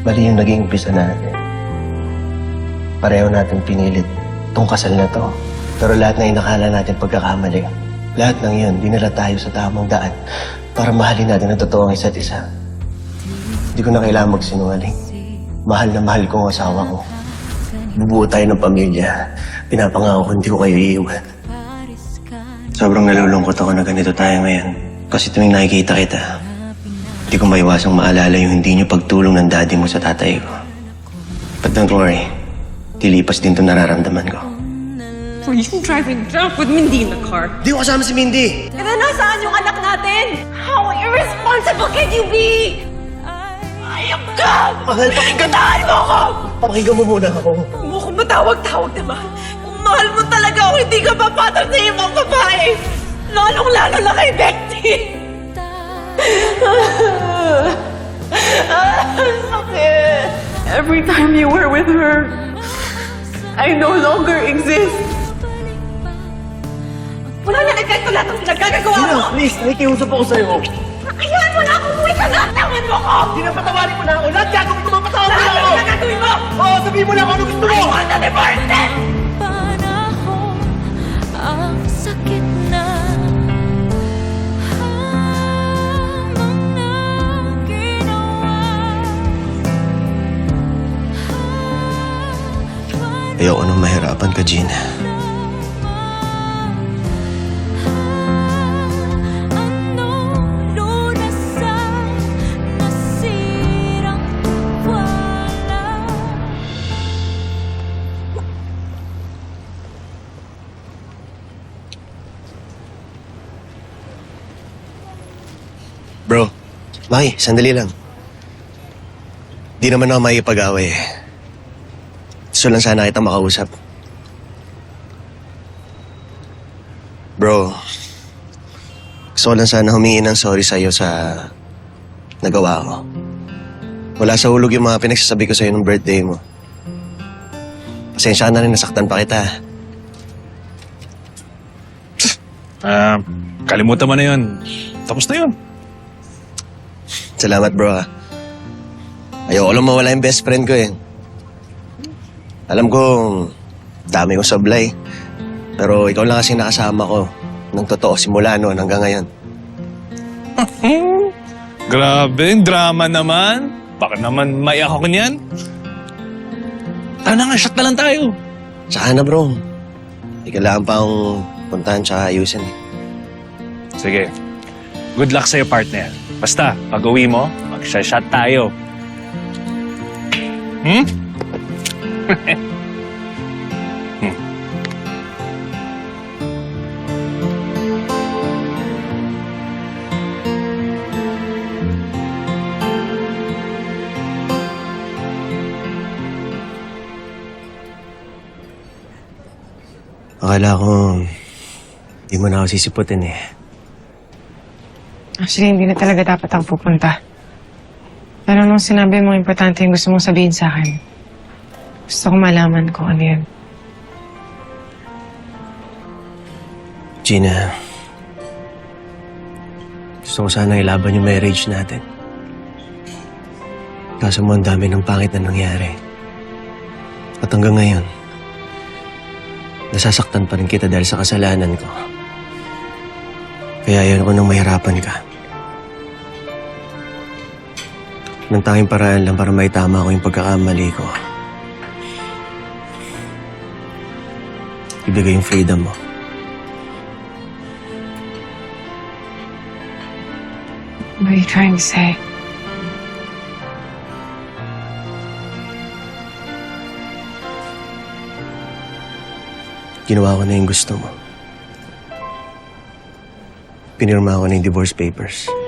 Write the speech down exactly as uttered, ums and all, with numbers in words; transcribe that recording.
Mali yung naging umpisa natin. Pareho natin pinilit tong kasal na to. Pero lahat na inakala natin pagkakamali. Lahat ng yun, dinala tayo sa tamang daan para mahalin natin ang totoo ang isa't isa. Hindi ko na kailangan magsinungaling. Mahal na mahal ko ang asawa ko. Bubuo tayo ng pamilya. Pinapangako ko hindi ko kayo iiwan. Sobrang nalulungkot ako na ganito tayo ngayon. Kasi tuwing nakikita kita, hindi ko maiwasang maalala yung hindi niyo pagtulong ng daddy mo sa tatay ko. But don't worry, tilipas din itong nararamdaman ko. Were you driving drunk with Mindy in the car? Di ko kasama si Mindy! And then nasaan yung anak natin? How irresponsible can you be? Ayok ka! Mahal, pakinggan mo ako! Pakinggan mo muna ako. Huwag mo akong matawag-tawag naman. Kung mahal mo talaga ako, hindi ka papatag sa ibang babae. Lalong-lalo na kay Betty. Sakit. Every time you were with her, I no longer exist. Wala na epekto lahat ng pinagkagagawa mo! Gina, please, nakikiusap ako sa'yo. Kailan mo na ako umuwi ka na! Tawan mo ko! Pinapatawarin mo na ako. Lahat gagawin ko, mapatawarin mo Lahat na ako! ng pinagagawin mo! Oo, sabihin mo na ako ano gusto mo! I want a divorce then! Panahon ang sakit na mga ginawa. Ayoko nang mahirapan ka, Gina. Anong lunas sa nasirang wala. Bro, Maki, sandali lang. Di naman ako makikipag-away eh. Gusto lang sana kitang makausap. Bro, gusto ko lang sana humingi ng sorry sa'yo sa nagawa ko. Wala sa hulog yung mga pinagsasabi ko sa'yo nung birthday mo. Pasensya ka na rin, nasaktan pa kita. Ah, kalimutan mo na yun. Tapos na yun. Salamat, bro. ah. Ayoko lang mawala yung best friend ko eh. Alam ko, dami kong sablay. Pero ikaw lang kasi nakasama ko ng totoo simula noon hanggang ngayon. Grabe, drama naman. Baka naman maiyak ako niyan. Tara na nga, shot na lang tayo. Tsaka na, bro. Hindi kailangan pa akong puntahan tsaka ayusin eh. Sige. Good luck sa'yo, partner. Basta, pag uwi mo, mag-shot tayo. Hmm? hmm. Akala ko, hindi mo na ako sisiputin eh. Actually, hindi na talaga dapat ako pupunta. Pero nung sinabi mo importante yung gusto mong sabihin sa akin, gusto ko malaman kung ano yun. Gina, gusto ko sana ilaban yung marriage natin. Kaso mo ang dami ng pangit na nangyari. At hanggang ngayon, nasasaktan pa rin kita dahil sa kasalanan ko. Kaya ayaw ko nang mahirapan ka. Nang tanging paraan lang para maitama ko yung pagkakamali ko. Ibigay yung freedom mo. What are you trying to say? Ginawa ko na yung gusto mo. Pinirma ko na yung divorce papers.